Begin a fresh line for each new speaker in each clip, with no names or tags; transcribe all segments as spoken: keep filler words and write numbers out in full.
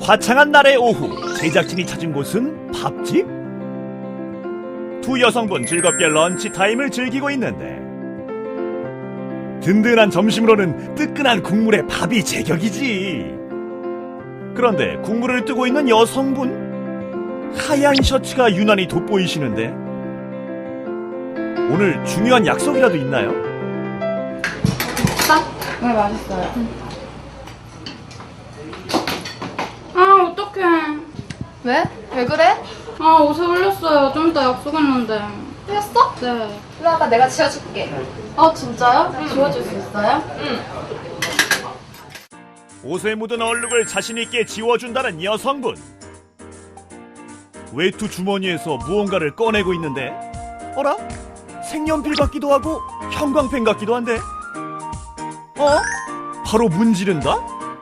화창한 날의 오후, 제작진이 찾은 곳은 밥집? 두 여성분 즐겁게 런치 타임을 즐기고 있는데 든든한 점심으로는 뜨끈한 국물에 밥이 제격이지. 그런데 국물을 뜨고 있는 여성분, 하얀 셔츠가 유난히 돋보이시는데 오늘 중요한 약속이라도 있나요?
딱? 네, 맛있어요. 응. 아, 어떡해.
왜? 왜 그래?
아, 옷에 흘렸어요. 좀 이따 약속했는데.
흘렸어?
네.
일로 와봐, 내가 지워줄게.
아, 진짜요? 응. 지워줄 수 있어요?
응.
옷에 묻은 얼룩을 자신있게 지워준다는 여성분. 외투 주머니에서 무언가를 꺼내고 있는데 어라? 색연필 같기도 하고 형광펜 같기도 한데 어? 바로 문지른다?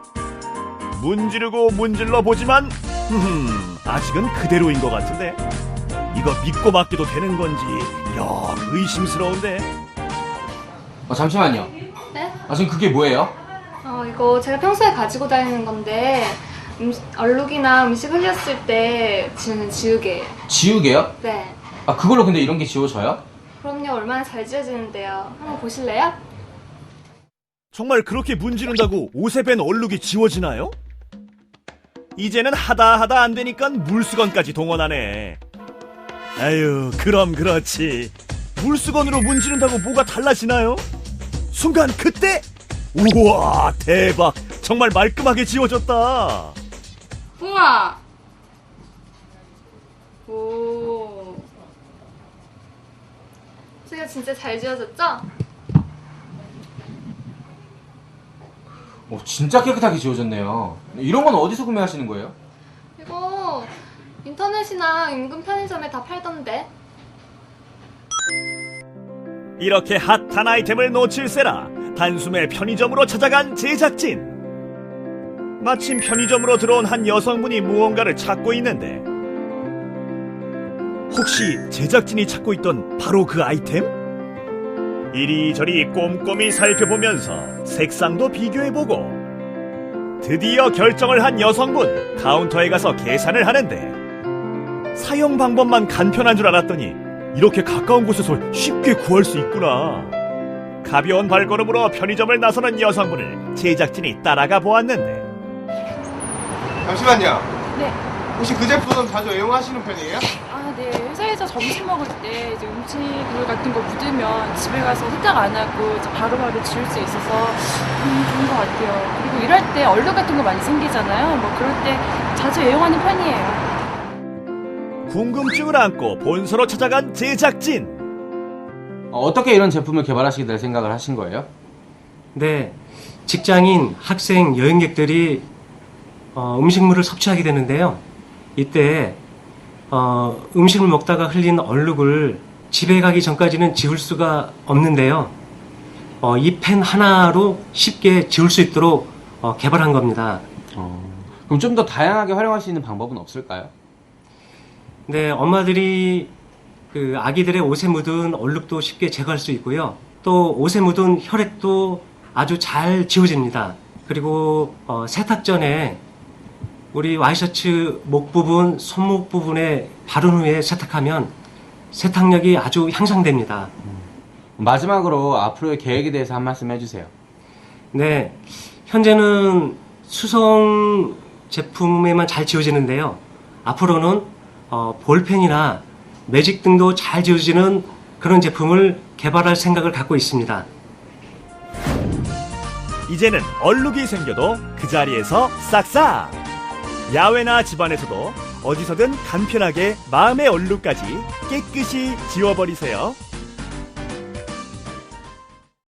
문지르고 문질러 보지만 흠, 아직은 그대로인 것 같은데 이거 믿고 맡겨도 되는 건지 영 의심스러운데.
어, 잠시만요.
네?
아, 지금 그게 뭐예요?
어, 이거 제가 평소에 가지고 다니는 건데 음, 얼룩이나 음식 흘렸을 때 지우는 지우개예요.
지우개요?
네.
아, 그걸로 근데 이런 게 지워져요?
그럼요, 얼마나 잘 지워지는데요. 한번 보실래요?
정말 그렇게 문지른다고 옷에 밴 얼룩이 지워지나요? 이제는 하다 하다 안 되니까 물수건까지 동원하네. 아유, 그럼 그렇지. 물수건으로 문지른다고 뭐가 달라지나요? 순간 그때 우와, 대박. 정말 말끔하게 지워졌다.
우와! 오.
제가 진짜 잘 지워졌죠?
오, 진짜 깨끗하게 지워졌네요. 이런 건 어디서 구매하시는 거예요?
이거 인터넷이나 인근 편의점에 다 팔던데.
이렇게 핫한 아이템을 놓칠세라 단숨에 편의점으로 찾아간 제작진. 마침 편의점으로 들어온 한 여성분이 무언가를 찾고 있는데 혹시 제작진이 찾고 있던 바로 그 아이템? 이리저리 꼼꼼히 살펴보면서 색상도 비교해보고 드디어 결정을 한 여성분. 카운터에 가서 계산을 하는데 사용 방법만 간편한 줄 알았더니 이렇게 가까운 곳에서 쉽게 구할 수 있구나. 가벼운 발걸음으로 편의점을 나서는 여성분을 제작진이 따라가 보았는데
잠시만요.
네.
혹시 그 제품 자주 애용하시는 편이에요?
아, 네. 회사에서 점심 먹을 때 이제 음식 물 같은 거 묻으면 집에 가서 세탁 안 하고 이제 바로바로 지울 수 있어서 음, 좋은 것 같아요. 그리고 일할 때 얼룩 같은 거 많이 생기잖아요. 뭐 그럴 때 자주 애용하는 편이에요.
궁금증을 안고 본서로 찾아간 제작진.
어, 어떻게 이런 제품을 개발하시게 될 생각을 하신 거예요?
네, 직장인, 학생, 여행객들이 어, 음식물을 섭취하게 되는데요. 이때 어, 음식을 먹다가 흘린 얼룩을 집에 가기 전까지는 지울 수가 없는데요. 어, 이 펜 하나로 쉽게 지울 수 있도록 어, 개발한 겁니다.
어, 그럼 좀 더 다양하게 활용할 수 있는 방법은 없을까요?
네, 엄마들이 그 아기들의 옷에 묻은 얼룩도 쉽게 제거할 수 있고요. 또 옷에 묻은 혈액도 아주 잘 지워집니다. 그리고 어, 세탁 전에 우리 와이셔츠 목 부분, 손목 부분에 바른 후에 세탁하면 세탁력이 아주 향상됩니다.
마지막으로 앞으로의 계획에 대해서 한 말씀 해주세요.
네, 현재는 수성 제품에만 잘 지워지는데요. 앞으로는 어, 볼펜이나 매직 등도 잘 지워지는 그런 제품을 개발할 생각을 갖고 있습니다.
이제는 얼룩이 생겨도 그 자리에서 싹싹. 야외나 집안에서도 어디서든 간편하게 마음의 얼룩까지 깨끗이 지워버리세요.